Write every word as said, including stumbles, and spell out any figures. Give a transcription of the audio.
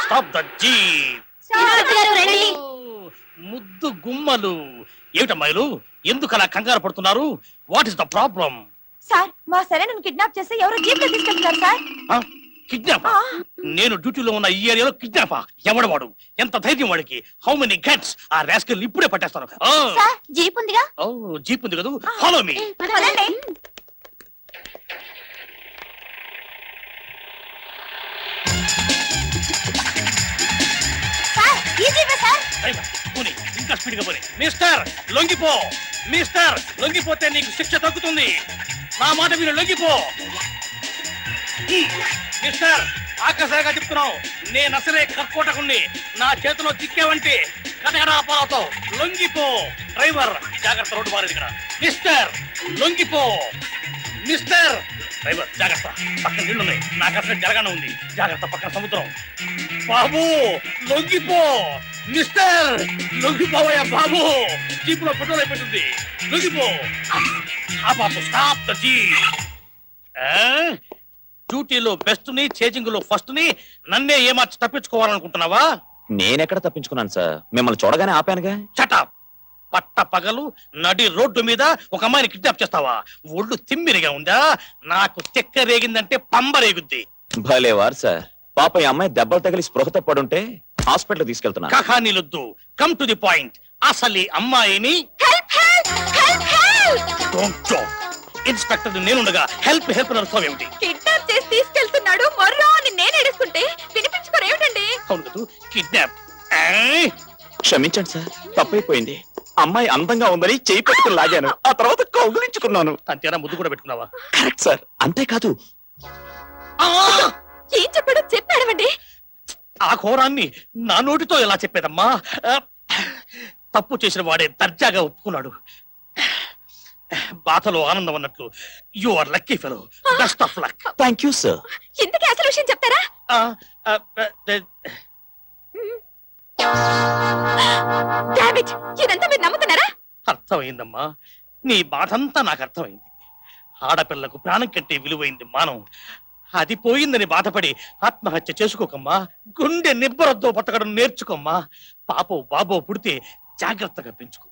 Stop the jeep. ముద్దు గుమ్మలు ఏమిటమ్మాయిలు, ఎందుకు అలా కంగారు పడుతున్నారు? What is the problem? Sir, మా సరైన కిడ్నాప్ చేస్తే ఎవరో జీప్ లో తీసుకెళ్తున్నారు సార్. కిడ్నాపా? నేను డ్యూటీలో ఉన్న ఈ ఏరియాలో కిడ్నాపా? ఎవడవాడు? ఎంత ధైర్యం వాడికి? How many guts? ఆ రాస్కల్ ఇప్పుడే పట్టేస్తాను. సార్, జీప్ ఉందిగా. ఓ, జీప్ ఉంది కదా, ఫాలో మీ. పదండి. సార్, ఈ జీపే సార్. పోనీ, ఇంకా స్పీడ్ గా పోనీ. మిస్టర్ లొంగిపో, మిస్టర్ లొంగిపోతే నీకు శిక్ష తగ్గుతుంది. నా మాట మీరు లొంగిపో. మిస్టర్, ఆకాశంగా చెప్తున్నావు, నేను అసలే కర్కోటకుణ్ణి. నా చేతిలో చిక్కావంటే కటకటాపాలతో లొంగిపో. డ్రైవర్ జాగ్రత్త, రోడ్డు మారేది ఇక్కడ. మిస్టర్ లొంగిపో. మిస్టర్ డ్రైవర్ జాగ్రత్త, పక్కన నీళ్ళున్నాయి. నాకు అసలు జరగానే ఉంది. జాగ్రత్త, పక్కన సముద్రం. బాబు లొంగిపో. మిస్టర్ లొంగిపోవయ్యా బాబు, జీపులో పెట్రోల్ అయిపోతుంది. లొంగిపో. ఆ బాబు స్టాప్ ద జీప్. డ్యూటీలో బెస్ట్ ని, చేజింగ్ లో ఫస్ట్ ని నన్నే ఏమార్చి తప్పించుకోవాలనుకుంటున్నావా? నేనెక్కడ తప్పించుకున్నాను సార్, మిమ్మల్ని చూడగానే ఆపానుగా. చటాప్. పట్ట పగలు నడి రోడ్డు మీద ఒక అమ్మాయిని కిడ్నాప్ చేస్తావా? ఒళ్ళు తిమ్మిరిగా ఉందా? నాకు చెక్క రేగిందంటే పంబ రేగుద్ది. భలేవారు సార్, పాప ఈ అమ్మాయి దెబ్బలు తగిలి స్పృహతో పడుంటే హాస్పిటల్ తీసుకెళ్తున్నా. కహానీలొద్దు, కమ్ టు ది పాయింట్. అసలు ఈ అమ్మాయిని ఇన్స్పెక్టర్ నేనుండగా హెల్ప్ హెల్ప్ నడుస్తావు ఏమిటి? కిడ్నాప్ చేసి తీసుకెళ్తున్నాడు మర్రో అని నేను ఏడుస్తుంటే వినిపించుకోరు ఏమిటండి? అవును కదా, కిడ్నాప్. క్షమించండి సార్, తప్పైపోయింది. అమ్మాయి అందంగా ఉందని చేయి పట్టుకుని లాగాను, ఆ తర్వాత కౌగులించుకున్నాను. అంతేనా? ముద్దు కూడా పెట్టుకున్నావా? Correct sir. అంతేకాదు, ఏం చెప్పాడో చెప్పాడమండి. ఆ ఘోరాన్ని నా నోటితో ఎలా చెప్పేదమ్మా? తప్పు చేసిన వాడే దర్జాగా ఒప్పుకున్నాడు. బాధలో ఆనందం అన్నట్లు. You are lucky fellow. Best of luck. Thank you sir. ఇంతకీ అసలు విషయం చెప్తారా? డామిట్, ఇదంతా మీరు నమ్ముతున్నారా? అర్థమైందమ్మా, నీ బాధంతా నాకు అర్థమైంది. ఆడపిల్లకు ప్రాణం కంటే విలువైంది మానం. అది పోయిందని బాధపడి ఆత్మహత్య చేసుకోకమ్మా. గుండె నిబ్బరద్దో బతకడం నేర్చుకోమ్మా. పాపో బాబో పుడితే జాగ్రత్తగా పెంచుకో.